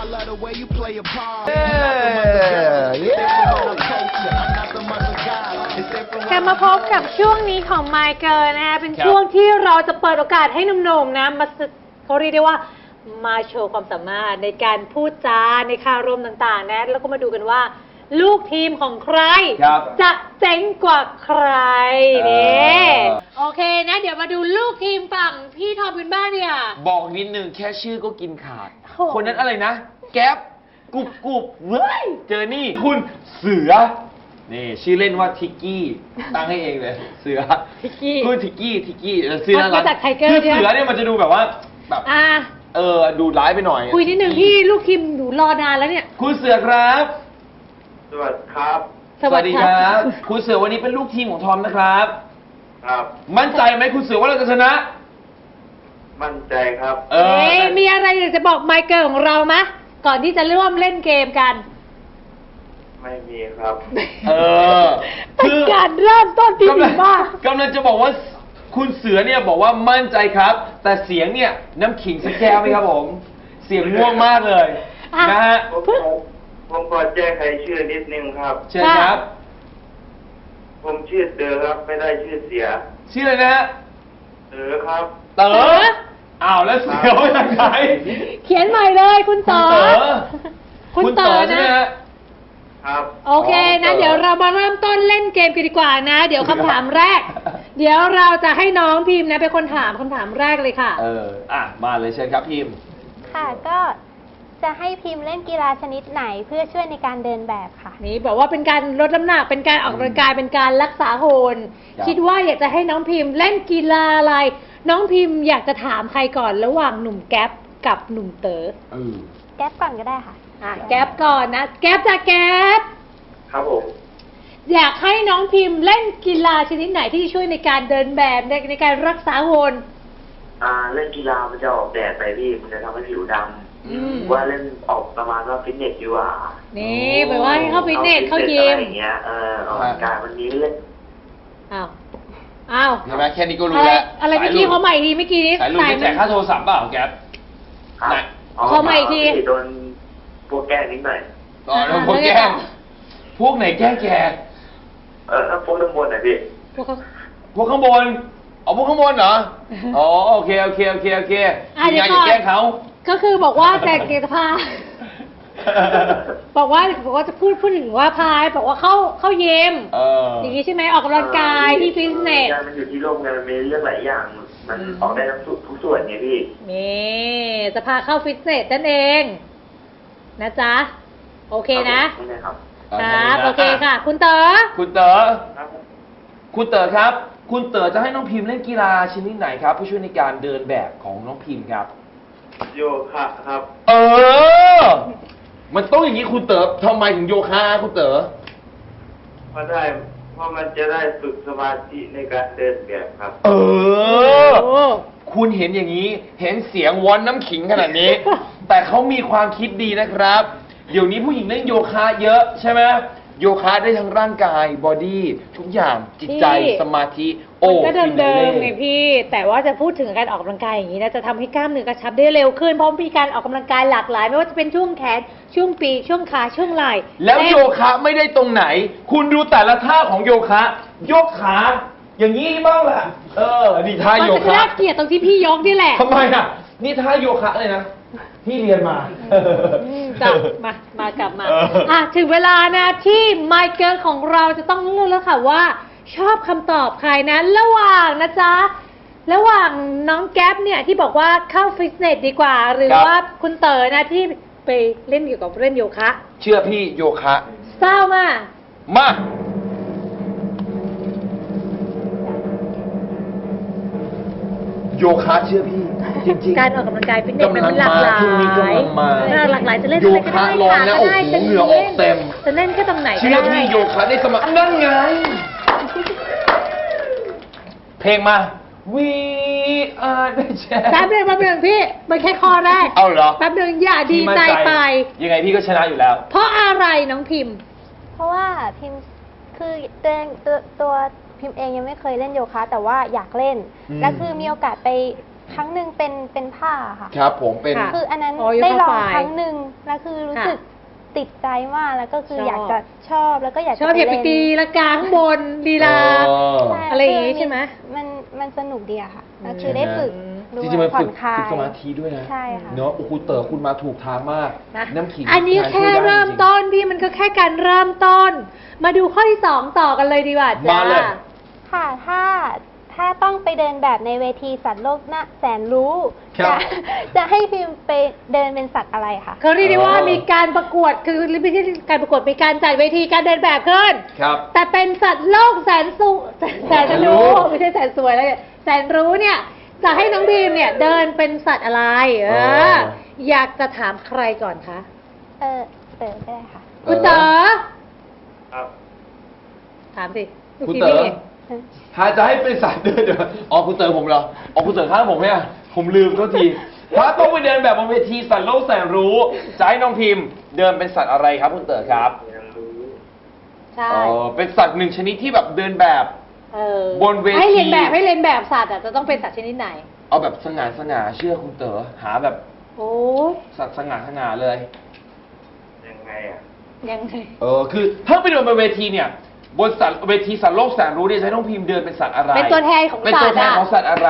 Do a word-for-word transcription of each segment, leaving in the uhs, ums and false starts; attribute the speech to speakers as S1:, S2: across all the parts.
S1: กลับมาพบกับช่วงนี้ของ My Girl นะคะเป็นช่วงที่เราจะเปิดโอกาสให้หนุ่มๆนะมาเขาเรียกได้ว่ามาโชว์ความสามารถในการพูดจาในคารมต่างๆนะแล้วก็มาดูกันว่าลูกทีมของใครจะเจ๋งกว่าใครนี่โอเคนะเดี๋ยวมาดูลูกทีมฝั่งพี่ทอมกันบ้างเนี่ย
S2: บอกนิดนึงแค่ชื่อก็กินขาดคนนั้นอะไรนะแก๊ปกุบกุบเว้ยเจอนี่คุณเสือนี่ชื่อเล่นว่าทิกกี้ตั้งให้เองเลยเสือ
S1: ทิกกี้
S2: คุณทิกกี้ทิกกี้เสือ
S1: มาจากไทเกอร์
S2: คือเสือเนี่ยมันจะดูแบบว่าแบบเออดูร้ายไปหน่อย
S1: คุยนิดนึงพี่ลูกทีมหนูรอนานแล้วเนี่ย
S2: คุณเสือครับ
S3: สวัสดีครับ
S2: สวัสดีครับคุณเสือวันนี้เป็นลูกทีมของทอมนะครับ
S3: ครับ
S2: มั่นใจไหมคุณเสือว่าเราจะชนะ
S3: มั่นใจครับ
S1: เออมีอะไรอยากจะบอกไมเคิลของเราไหมก่อนที่จะร่วมเล่นเกมกัน
S3: ไม่มีครับ
S2: เออ
S1: คือการเริ่มต้นที่ดีมาก
S2: กำลังจะบอกว่าคุณเสือเนี่ยบอกว่ามั่นใจครับแต่เสียงเนี่ยน้ำขิงสักแก้วไหมครับผมเสียงง่วงมากเลยนะฮะ
S3: ผมขอแจ้งใครชื่อนิดนึงครับ
S2: เชิญครับ
S3: ผมชื่อเต๋อครับไม่ได้ชื่อเสีย
S2: ชื่ออะไรนะฮะ
S3: เต๋อครับ
S2: เต๋ออ้าวแล้วเสือมาจากไหน
S1: เขียนใหม่เลยคุณเต๋อ
S2: คุณเต๋อใช่ไหมฮะ
S3: ครับ
S1: โอเคนะเดี๋ยวเรามาเริ่มต้นเล่นเกมกันดีกว่านะเดี๋ยวคำถามแรกเดี๋ยวเราจะให้น้องพิมพ์นะเป็นคนถามคำถามแรกเลยค่ะ
S2: เอออ่ะมาเลยเชิญครับพิมพ์
S4: ค่ะก็จะให้พิมพ์เล่นกีฬาชนิดไหนเพื่อช่วยในการเดินแบบค่ะ
S1: นี่บอกว่าเป็นการลดน้ำหนักเป็นการออกกำลังกายเป็นการรักษาโหนคิดว่าอยากจะให้น้องพิมพ์เล่นกีฬาอะไรน้องพิมพ์อยากจะถามใครก่อนระหว่างหนุ่มแก๊ปกับหนุ่มเต๋อ
S4: แก๊ปก่อนก็ได้ค่ะ
S1: อ่ะแก๊ปก่อนนะแก๊ปจะแก๊ป
S3: ครับผม
S1: อยากให้น้องพิมพ์เล่นกีฬาชนิดไหนที่ช่วยในการเดินแบบในในการรักษาโหน
S3: อ่าเล่นกีฬามันจะออกแดดไปพี่มันจะทำให้ผิวดำว่าเล่นออกประมาณว่าฟิตเนสดีกว่า
S1: นี่แปลว่าเข้าฟิตเนสเข้ายิม
S3: อย่างเงี้ยเออออกกำลังกายวันนี้เล่น
S1: อ้าวอ้าว
S2: เห็นไหมแค่นี้ก็รู้แล้ว
S1: อะไรเมื่อกี้เขาใหม่ทีเมื่อกี้นี้
S2: สายลุงจะแจกค่าโทรศัพท์เปล่าแก๊ป
S1: เขาใหม่ที
S3: โดนพวกแกล้งนิดหน่อย
S2: อ๋อโดนพวกแกล้งพวกไหนแกล้งแก
S3: เออพวกข้างบนไหนพี่
S2: พวกข้างบนอ๋อพวกข้างบนเหรออ๋อโอเคโอเคโอเคโอเค
S1: มี
S2: งานอย่าแกล้งเขา
S1: ก็คือบอกว่าแจกเกตพาบอกว่าบอกว่าจะพูดพูดถึงว่าพายบอกว่าเข้าเข้าเยิมอย่างนี้ใช่ไหมออกกำลังกายที่ฟิตเนส
S3: มันอยู่ที่โลกไงมันมีเรื่องหลายอย่างมันออกได้ทั้งทุกส่วนไงพี่
S1: นี่จะพาเข้าฟิตเนสนั่นเองนะจ๊ะโอเคนะครับครับโอเคค่ะคุณเต๋อ
S2: คุณเต๋อคุณเต๋อครับคุณเต๋อจะให้น้องพิมพ์เล่นกีฬาชนิดไหนครับเพื่อช่วยในการเดินแบบของน้องพิมพ์ครับ
S3: โยคะครับ
S2: เออมันต้องอย่างนี้คุณเต๋อทำไมถึงโยคะคุณเต๋อ
S3: เพราะได้เพราะมันจะได้ฝึกสมาธิในการเดินแบบครับ
S2: เออคุณเห็นอย่างนี้เห็นเสียงวอนน้ำขิงขนาดนี้ แต่เขามีความคิดดีนะครับเดี๋ยวนี้ผู้หญิงเล่นโยคะเยอะใช่ไหมโยคะได้ทั้งร่างกายบอดี้ทุกอย่างจิตใจสมาธิ
S1: โอ้ก็เดิมๆไงพี่แต่ว่าจะพูดถึงการออกกำลังกายอย่างนี้นะจะทำให้กล้ามเนื้อกระชับได้เร็วขึ้นเพราะมีการออกกำลังกายหลากหลายไม่ว่าจะเป็นช่วงแขนช่วงปีกช่วงขาช่วงไหล่
S2: แล้วโยคะไม่ได้ตรงไหนคุณดูแต่ละท่าของโยคะยกขาอย่างนี้บ้างแหละเออนี่ท่าโยคะมันจะ
S1: น่าเกลียดตรงที่พี่ยกนี่แหละ
S2: ทำไมอ่ะนี่ท่าโยคะเลยนะที่เรียนมา
S1: จับมามากลับมาอ่ะถึงเวลานะที่ไมเคิลของเราจะต้องเลือกแล้วค่ะว่าชอบคำตอบใครนะระหว่างนะจ๊ะระหว่างน้องแก๊ปเนี่ยที่บอกว่าเข้าฟิตเนสดีกว่าหรือว่าคุณเต๋อนะที่ไปเล่นเกี่ยวกับเล่นโยคะ
S2: เชื่อพี่โยคะ
S1: เศร้ามาก
S2: มาโยคะเชื่อพี่จริง
S1: ๆการออกกำลังกายฟิตเนสมันหลากหลายหลากหลายจะเล่น
S2: โยคะร้อนแล้วโอ้โหเหงื่อออกเต็ม
S1: จะเล่นแค่ตรงไหน
S2: เชื่อพี่โยคะได้สมัครนั่นไงเพลงมา We are the champions
S1: แป๊บเดียวแป๊บเดียวพี่มันแค่ข้อแรก
S2: เอาเหรอ
S1: แป๊บเดียวอย่าดีใจไป
S2: ยังไงพี่ก็ชนะอยู่แล้ว
S1: เพราะอะไรน้องพิมพ์
S4: เพราะว่าพิมพ์คือตัวตัวตัวพิมพ์เองยังไม่เคยเล่นโยคะแต่ว่าอยากเล่นและคือมีโอกาสไปครั้งหนึ่งเป็นเป็นผ้าค่ะ
S2: ครับผมเป็น
S1: ค่ะ
S4: คืออันนั้น
S1: อ๋อ
S4: ได้ลอง
S1: ผ้าฝ้าย
S4: ครั้งหนึ่งแล้วคือรู้
S1: ค่ะ
S4: สึกติดใจมากแล้วก็คือ
S1: ชอบ
S4: อยากจะชอบแล้วก็อยาก
S1: ช
S4: จะ
S1: อบอย่าไป
S4: เล่น
S1: ตีละกาข้างบนลีลา
S2: เออ
S4: ใช่
S1: อะไรอย่างงี้
S4: คื
S1: ใช่ไหม
S4: มันมันสนุกดีอะค่ะแล้ว
S1: อืม
S4: คือได้ฝึกด้ว
S2: จ
S4: ย
S2: ริงๆมัน
S4: ผ่อ
S2: ฝึ
S4: น
S2: ก
S4: คลาย
S2: ฝึกสมาธิด้วยนะ
S4: ใช่ค่ะ
S2: เนาะโอ้โหเต๋อคุณมาถูกทางมาก
S1: นะ
S2: น้ำขิง
S1: อันนี้
S2: ทา
S1: แค่
S2: ช่วยได้
S1: เริ่ม
S2: จงๆ
S1: ต้นพี่มันก็แค่การเริ่มต้น มาดูข้อที่สองต่อกันเลยดีกว่าจ้า
S2: มาเลย
S4: ค่ะถ้าถ้าต้องไปเดินแบบในเวทีสัตว์โลกน่าแสนรู้
S2: ครั
S4: จะ
S2: บ
S4: จะให้พิมพ์ไปเดินเป็นสัตว์อะไรคะ
S1: เขาเรียกได้ว่า
S2: เออ
S1: มีการประกวดคือไม่ใช่การประกวดมีการจัดเวทีการเดินแบบขึ้น
S2: ครับ
S1: แต่เป็นสัตว์โลกแสนสูแสนแสน
S2: แสนรู้
S1: รู้ไม่ใช่แสนสวยแล้วเนี่ยแสนรู้เนี่ยจะให้น้องบีมเนี่ยเดินเป็นสัตว์อะไร เอ
S2: เอ
S1: อ
S2: อ
S1: อยากจะถามใครก่อนคะ
S4: เออเต๋อก็ได้ค่ะ
S1: คุณเต๋อ
S3: ครับ
S1: ถามสิลูก
S2: คุณ
S1: ทีม
S2: เต๋อ
S1: พี่
S2: ถ้าจะให้เป็นสัตว์เดินเดี๋ยวอ๋อคุณเต๋อผมเหรออ๋อคุณเต๋อข้างผมเนี่ยผมลืมโทษทีถ้าต้องไปเดินแบบบนเวทีสัตว์โลกแสนรู้จะให้น้องพิมพ์เดินเป็นสัตว์อะไรครับคุณเต๋อครับ
S3: ยังรู้
S1: ใช่
S2: เออเป็นสัตว์หนึ่งชนิดที่แบบเดินแบบ
S1: เออบ
S2: นเวที
S1: ให้เรียนแบบให้เรียนแบบสัตว์อ่ะจะต้องเป็นสัตว์ชนิดไหน
S2: เอาแบบสง่าสง่าเชื่อคุณเต๋อหาแบบ
S1: โอ้ย
S2: สัตว์สง่าสง่าเลย
S3: ยังไงอ่ะ
S1: ยังไง
S2: เออคือถ้าไปเดินบนเวทีเนี่ยบนสัตว์เวทีสัตว์โลกแสนรู้เนี่ยจะให้น้องพิมพ์เดินเป็นสัตว์อะไร
S1: เป็นตัวแทนของ
S2: เป็น
S1: สั
S2: ตั
S1: ต
S2: ว
S1: ว์
S2: แทน
S1: อ่ะ
S2: ของสัตว์อะไร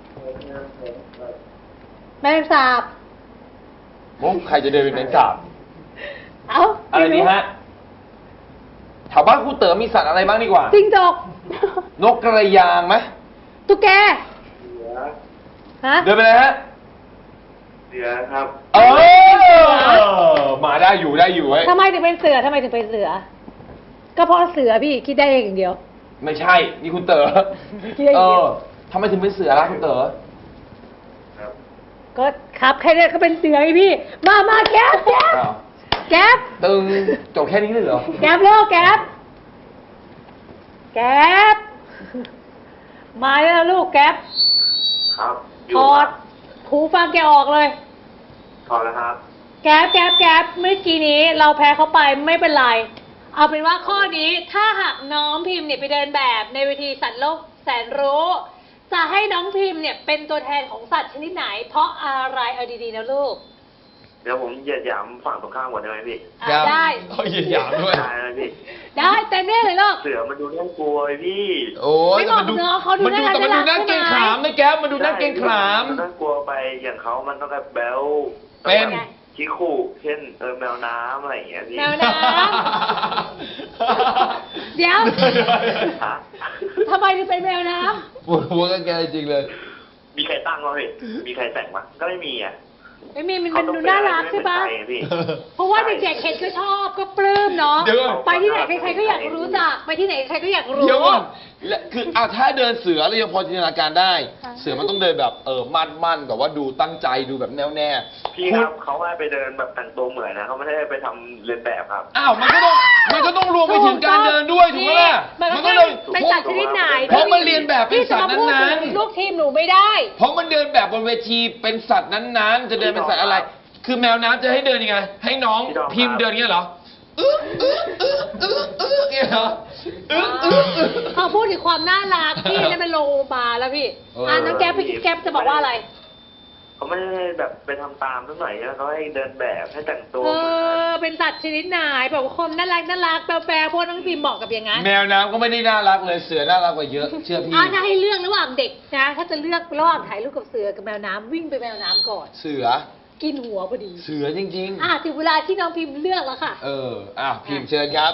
S1: แมลงสาบ
S2: มุกใครจะเดินเป็นแมงสาบ
S1: เอ้า
S2: อะไรดีฮะแถวบ้านคุณเต๋อมีสัตว์อะไรบ้างดีกว่า
S1: จิ้งจก
S2: นกกระยางไหม
S1: ตุ๊กแก
S3: เสือ
S1: ฮะ
S2: เดินไปเลยฮะ
S3: เสือครับ
S2: เออมาได้อยู่ได้อยู่ไว้ย
S1: ทำไมถึงเป็นเสือทำไมถึงเป็นเสือ ก็เพราะเสือพี่คิดได้เองอย่างเดียว
S2: ไม่ใช่นี่คุณเต๋อ
S1: คิดได้อ
S2: เอย่าง
S1: เดียว
S2: อทำไมถึงเป็นเสือล่ะคุณเต๋อ
S3: ครับ
S1: ก็ครับแค่นี้ก็เป็นเสือไงพี่ มามาแก๊ปแก๊ป
S2: อ้าว
S1: แก๊ป
S2: ตึงจบแค่นี้เลยเหรอ
S1: แก๊ปเร็วแก๊ปแก๊ปมาแล้วลูกแก๊ป
S3: ครับ
S1: ถอดหูฟังแกออกเลย
S3: ถอดแล้วครับ
S1: แก๊ปแก๊ปแก๊ปเมื่อกี้นี้เราแพ้เขาไปไม่เป็นไร เอาเป็นว่าข้อนี้ถ้าหากน้องพิมพ์เนี่ยไปเดินแบบในเวทีสัตว์โลกแสนรู้ จะให้น้องพิมพ์เนี่ยเป็นตัวแทนของสัตว์ชนิดไหน เพราะอะไรเอาดีๆนะลูก
S3: เดี๋ยวผมเหยียดหยามฝั่งตรงข้ามก่อนได้ไหมพี่
S1: อ่ะได้
S2: เขาเหยียดหยามด้วย
S3: ได้ไหมพี่
S1: ได้เต็มที่เลยลูก
S3: เสือมันดูน่ากลัวไอ้พี่
S2: โอ้ย
S1: ไม่บอก
S2: แต่มันดู
S1: เนอะเขาดู
S2: มันดู
S1: น่ารัก
S2: แต่มันดูน่า
S1: ใช่ไหม
S2: เกรงขามนะแก๊ปมันดูน่าเกรงขาม
S3: นน่ากลัวไปอย่างเขามันต้องแบบแบล
S2: เป็น
S3: ชิคุเช่นเออแมวน้ำอะไรอย่างเงี้ยพี่
S1: แมวน้ำ เดี๋ยว
S3: ฮะ
S1: ทำไมถึงเป็นแมวน้
S2: ปวดหัวกันแกจริงเลย
S3: มีใครตั้งวะพี่มีใครแต่งวะก็ไม่มีอ่ะ
S1: ำไม่มีมัน
S3: เขา
S1: เป็น
S3: ต้อง
S1: ดู
S3: เป็
S1: น่า
S3: อะไร
S1: รัก
S3: ที่
S1: ใช่
S3: ไม่
S1: ปะ
S3: เหมือนใครอะพี่
S1: เพราะว่าเด็กๆเห็นก็ชอบก็ปลื้มเนาะ
S2: เดี๋ยวก่อน
S1: ไปที่ไหนใครๆก็อยากรู้จักไปที่ไหนใครก็อยากรู้
S2: เดี๋ยวก่อนและคืออ่ะถ้าเดินเสือเรายังพอจินตนาการได้
S4: ค่ะ
S2: เสือมันต้องเดินแบบเออมั่นมั่นๆแบบว่าดูตั้งใจดูแบบแน่วแน่
S3: พี่ครับเขาให้ไปเดินแบบแต่งตัวเหมือนนะเขาไม่ได้ไปทำเลียนแบบครับ
S2: อ้าวมันก็ต้องมันก็ต้องรวมไปถึงการเดินด้วยถูกไหมล่ะ
S1: มันก็
S2: ก็
S1: เล
S2: เลย ย
S1: เป็นสัตว์ชนิดไหน
S2: เพราะมันเรียนแบบเป็นสัตว์นั้นๆ
S1: ที่จะมาพูดถึงลูกทีมหนูไม่ได้
S2: เพราะมันเดินแบบบนเวทีเป็นสัตว์นั้นๆ จะเดินเป็นสัตว์อะไร คือแมวน้ำจะให้เดินยังไง ให้น้อง
S3: พี่ดอมครับ
S2: พิมพ์เดินเงี้ยเหรออึ๊ะอึ๊ะอึ๊ะอึ๊ะอึ๊ะเนี่ยเหรออึ๊ะอึ๊ะอึ๊ะ
S1: เขาพูดถึงความน่ารักพี่นั่นเป็นโลมาแล้วพี่
S2: เอออ่
S1: อ่าน้องแก๊ปพี่แก๊ปจะบอกว่าอะไร
S3: เขาไม่ได้แบบไปทำตามสักหน่อยนะเขาให้เดินแบบให้แต่งตัว
S1: เอ
S3: เหมือนกัน
S1: อเป็นสัตว์ชนิดไหนแบบว่าคนน่ารักน่ารักแปลๆพวกน้องพิมพ์บอกกับอย่างนั้น
S2: แมวน้ำก็ไม่ได้น่ารักเลยเสือน่ารักกว่าเยอะเชื่อพี่
S1: อ่าถ้าให้เลือกระหว่างเด็กนะ ถ้าจะเลือกระหว่างถ่ายรูปกับเสือกับแมวน้ำวิ่งไปแมวน้ำก่อน
S2: เสือ
S1: กินหัวพอดี
S2: เสือจริง
S1: อ่ะถึงเวลาที่น้องพิมพ์เลือกแล้วค่ะ
S2: ๆ เอออ่ะพิมพ์เชิญครับ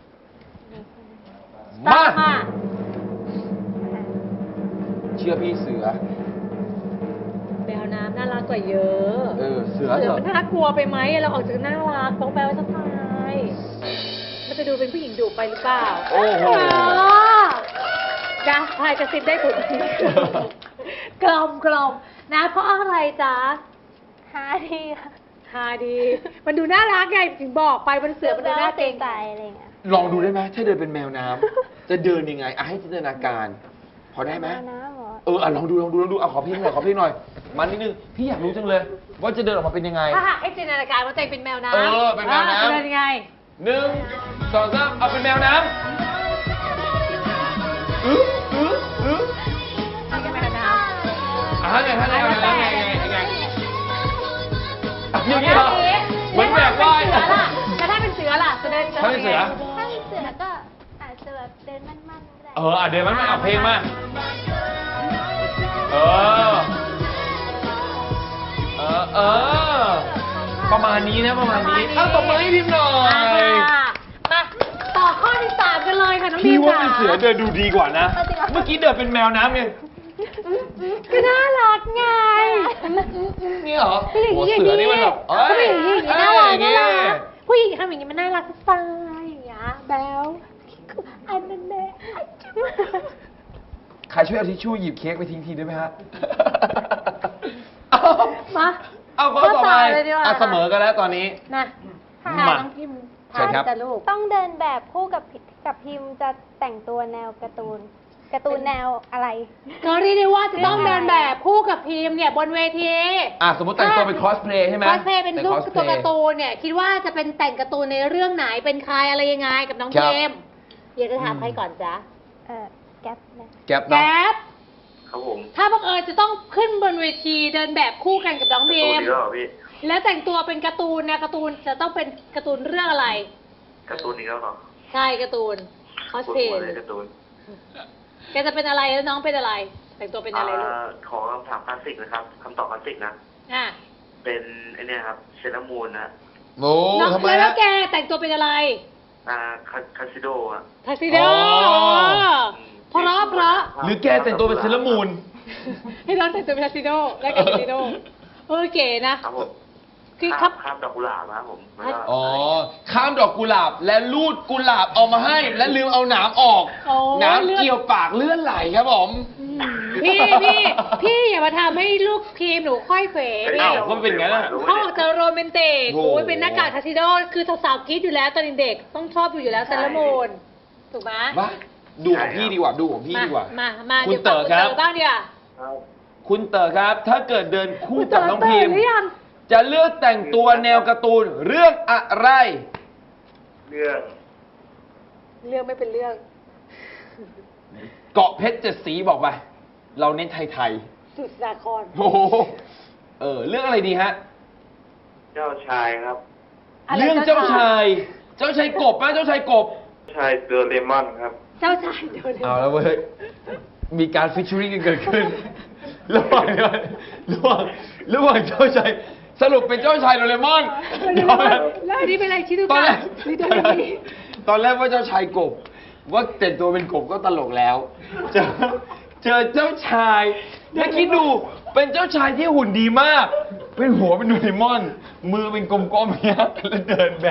S1: ตาม
S2: มา
S1: มา
S2: เชื่อพี่เสือ
S1: แมวน้ำน่ารักกว่าเยอะ
S2: เออเสือ
S1: เสื
S2: เถ
S1: อ
S2: อะ
S1: มันน่ากลัวไปไหมเราออกจากน่ารักต้องแปลว่าสไตล์มันจะดูเป็นผู้หญิงดุไปหรือเปล่า
S2: โอ้โห
S1: นะพายกระซิบได้ถูกทีกลมกลมนะ เพราะอะไรจ๊ะ
S4: ฮาดีค่ะ
S1: ฮาดี มันดูน่ารักไงถึงบอกไปมันเสือมันดูน่าเกรง
S4: ใจ
S1: ใจ
S4: อะไรอย่างเงี้ย
S2: ลองดูได้ไหมถ้าเดินเป็นแมวน้ำจะเดินยังไงอ่ะให้จินตนาการ พอได้ไหม
S4: แวน้ำเหรอ
S2: เอออ่ะลองดูลองดูลองดูเอาขอพี่หน่อยขอพี่หน่อยมานิดนึงพี่อยากรู้จังเลย ว่าจะเดินออกมาเป็นยังไง
S1: ถ้าหากให้จินตนาการว่าตัวเองเป็นแมวน้ำ
S2: เออเป็นแมวน้ำ
S1: อ่ะจะเดินยังไง
S2: หนึ่งสองสามเอาเป็นแมวน้ำอึ๊ะอึ๊ะอึ๊ะ
S1: นี่ก็แมวน้
S2: อ่ะอ่ะไงฮะไงไงไงไงไงอย่างนี้เหรอเหมือนแหวกว่าย
S1: แล้วถ้าเป็นเสือล่ะจะเดินจะ
S2: ถ้าเป็นเสือ
S4: ถ้าเป็นเสือก็อาจจะแบบเดินมั่นๆก็ได้
S2: เอออ่ะเดี๋ยวมันมาเอาเพลงมาเออเออเออประมาณนี้นะประมาณนี้เอาตบมือให้พิมพ์หน่อย
S1: มาต่อข้อที่สามกันเลยค่ะน้องบี
S2: พี่
S1: ม
S2: ว่า
S1: ค่ะ
S2: เป็นเสือเดินดูดีกว่านะ เมื่อกี้เดินเป็นแมวน้ำไง
S1: ก็น่ารักไง
S2: นี่เหรอ
S1: ผู้หญิง
S2: โอ้
S1: อย่าง
S2: เสือ
S1: นี้
S2: นี่มันแบบเอ้
S1: ผู้ห
S2: ย
S1: ญิงอย่างนี้น่ารักน่ารักผู้หญิงทำอย่างนี้มันน่ารักสไตล์อย่างเงี้ยแบลอันนั้นแหละ
S2: ใครช่วยเอาทิชชู่หยิบเค้กไปทิ้งทีได้ไหมฮะ
S1: มา
S2: เอาข้อต่อไป
S1: เลยดีกว่า
S2: อ่ะเสมอกันแล้วตอนนี้
S1: นะ
S4: ค่ะ
S2: มา
S1: น้องพิมพ์
S2: เชิญครับ
S1: จะลูก
S4: ต้องเดินแบบคู่กับพิกับพิมพ์จะแต่งตัวแนวการ์ตูนการ์ตูนแนวอะไร
S1: ก็เรียกได้ว่าจะต้องเดินแบบคู่กับพิมพ์เนี่ยบนเวที
S2: อ่ะสมมติแต่งตัวเป็นคอสเพลย์ใช่ไหม
S1: คอสเพลย์เป็นรูป
S2: cosplay
S1: ตัวการ์ตูนเนี่ยคิดว่าจะเป็นแต่งการ์ตูนในเรื่องไหนเป็นใครอะไรยังไงกับน้อง
S2: ครับ
S1: เกมอยากจะถามใครก่อนจ๊ะ
S4: เออแก๊ปนะ
S2: แก๊ป
S1: แก
S2: เนาะ
S1: ๊บ
S3: ครับผม
S1: ถ้าบังเอิญจะต้องขึ้นบนเวทีเดินแบบคู่กันกับน้อง
S3: ตั
S1: เบ
S3: ว
S1: ม
S3: นี้ก็เหรอพี่
S1: แล้วแต่งตัวเป็นการ์ตูนเนี่ยการ์ตูนจะต้องเป็นการ์ตูนเรื่องอะไร
S3: การ์ตูนนี้ก็เหรอ
S1: ใช่การ์ตูนคอส
S3: ปวด
S1: เพล
S3: หัว
S1: ย์
S3: เลยการ์ตูน
S1: แกจะเป็นอะไรแล้วน้องเป็นอะไร แต่งตัวเป็นอะไรลูก
S3: อ่าขอคำถามคลาสสิกนะครับคำตอบคลาสสิกนะ
S1: อ่ะ
S3: เป็นไอเนี่ยครับเซรามูนนะ
S2: โอ้
S1: น้อง
S2: ทำไม
S1: แล้
S2: ฮะ
S1: วแกแต่งตัวเป็นอะไร
S3: อ่าคาคาซิโดอะ
S1: ทักซิโด
S2: อ๋อ
S1: เพราะเพราะ
S2: หรือแกแต่งตัวเป็นเซเลอร์มูน
S1: ให้น้องแต่งตัวเป็นทักซิโดและกับทักซิโดเออเก๋นะครับ
S3: ผม
S1: คือครับ
S3: ข้ามดอกกุหลาบนะครับผมแล้วก็
S2: อ๋อ ข้ามดอกกุหลาบและลูดกุหลาบเอามาให้ และลืมเอาหนามออก
S1: โอ้
S2: หน้ำเกี่ยวปากเลื่อนไหลครับผม
S1: พี่พี่พี่อย่ามาทำให้ลูกทีมหนูค่อยเขวพี่
S2: อ้าวก็เป็นงั้นอะ
S1: เขาออกจะโรแมนติก
S2: โอ้
S1: โอ้ยเป็นหน้ากากทักซิโดคือสาวๆกรีดอยู่แล้วตอนเด็กๆต้องชอบอยู่อยู่แล้วเซเลอร์มูนถูกไหม
S2: วะดูของพี่ดีกว่า ดูของพี่ดีกว่า
S1: มามา
S2: คุณ
S1: เดี๋ยว
S2: เต๋อครับ
S1: ฟังณบ้างดีกว่า
S3: ครับ
S2: คุณเต๋อครับ ถ้าเกิดเดินคู่กับน้องพิมพ์
S1: หรือยัง
S2: จะเลือกแต่งตัวแนวการ์ตูนเรื่องอะไร
S3: เรื่อง
S1: เรื่องไม่เป็นเรื่อง
S2: เกาะเพชรเจ็ดสีบอกไป เราเน้นไทย
S1: สุดสาคร
S2: ๆ โอ้โหเออ เรื่องอะไรดีฮะ
S3: เจ้าชายครับ
S1: อะไร
S2: เรื่องเจ้าชาย เจ้าชายกบไหมเจ้าชายกบ
S3: ชายเดอเรมอนครับ
S1: เจ้าชายเดี๋ยวเดี๋ยว
S2: เอาแล้วเว้ย มีการฟิชชูริ่งกันเกิดขึ้น ระหว่างระหว่างระหว่างเจ้าชาย สรุปเป็นเจ้าชายโดเรมอน
S1: แล้วอันนี้เป็นอะไรชิดู
S2: ตอนแร
S1: กะ
S2: ก
S1: ชิดูกะนี่
S2: ตอนแรกว่าเจ้าชายกบ ว่าแต่งตัวเป็นกบก็ตลกแล้ว เจอเจอเจ้าชาย แล้วคิดดู เป็นเจ้าชายที่หุ่นดีมาก เป็นหัวเป็นโดเรมอน มือเป็นกลมๆเนี้ยแล้วเดินแบบ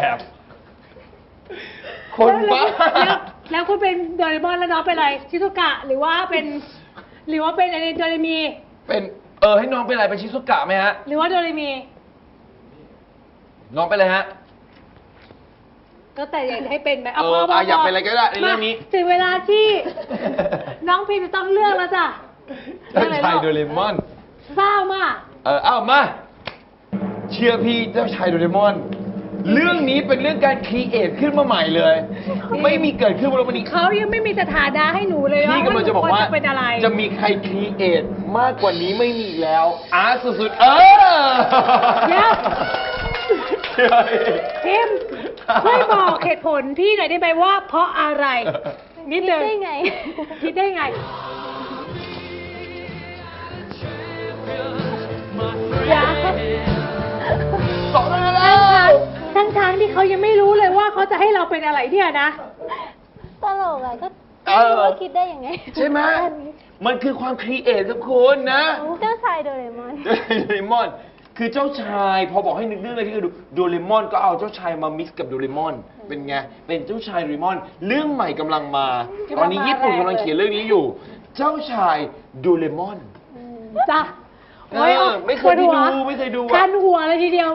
S2: คนบ้า
S1: แล้วแล้วคุณเป็นโดเรมอนแล้วน้องเป็นอะไรชิซุกะหรือว่าเป็น หรือว่าเป็นอะไรโดเรมี
S2: เป็นเออให้น้องเป็นอะไรเป็นชิซุกะไหมฮะ
S1: หรือว่าโดเรมี
S2: น้องเป็นอะไรฮะ
S1: ก็แต่อยากจะให้เป็นแบบ
S2: เอออ่ะอยากเป็นอะไรก็ได้ในเรื่องนี้
S1: มาถึงเวลาที่ น้องพิมจะต้องเลือกแล้วจ้ะ
S2: เจ้าชายโดเรมอน
S1: เศร้ามาก
S2: เออเอามา เชื่อพี่เจ้าชายโดเรมอน เรื่องนี้เป็นเรื่องการครีเอทขึ้นมาใหม่เลย ไม่มีเกิดขึ้นบนโลกนี้
S1: เขายังไม่มีสถานะให้หนูเลย
S2: พี่กำลังจะบอกว่า
S1: หนูควรเป็นอะไร
S2: จะมีใครครีเอทมากกว่านี้ไม่มีอีกแล้วอาร์ตสุดๆ เออ
S1: เดี๋ยว
S2: เชื่อพี่
S1: พิมช่วยบอกเหตุผลพี่หน่อยได้ไหมว่า เพราะอะไร นิด
S4: คิด
S1: นึง
S4: ได้ไง
S1: คิดได้ไงอย่า
S2: สองแล้วแล้ว
S1: ทั้งทางๆที่เขายังไม่รู้เลยว่าเขาจะให้เราเป็นอะไรเนี่ยนะ
S4: ตลกอ่ะก็
S2: เอ
S4: ไม่
S2: อ
S4: รู้ว่าคิดได้ยังไง
S2: ใช่ไหมมันคือความครีเอทครับคุณนะ
S4: เจ้าชายโดเรมอน
S2: โดเรมอน คือเจ้าชาย พอบอกให้นึกเรื่องอะไรที่คือดูโดเรมอนก็เอาเจ้าชายมามิกซ์กับโดเรมอน เป็นไง เป็นเจ้าชายโดเรมอน เรื่องใหม่กำลังมา ตอนนี้ญี่ปุ่นกำลังเขียนเรื่องนี้อยู่ เจ้าชายโดเรมอน
S1: จ้ะ
S2: เออไม่เคยได้ดูไม่เคยดูอะ
S1: คันหัวเลยทีเดียว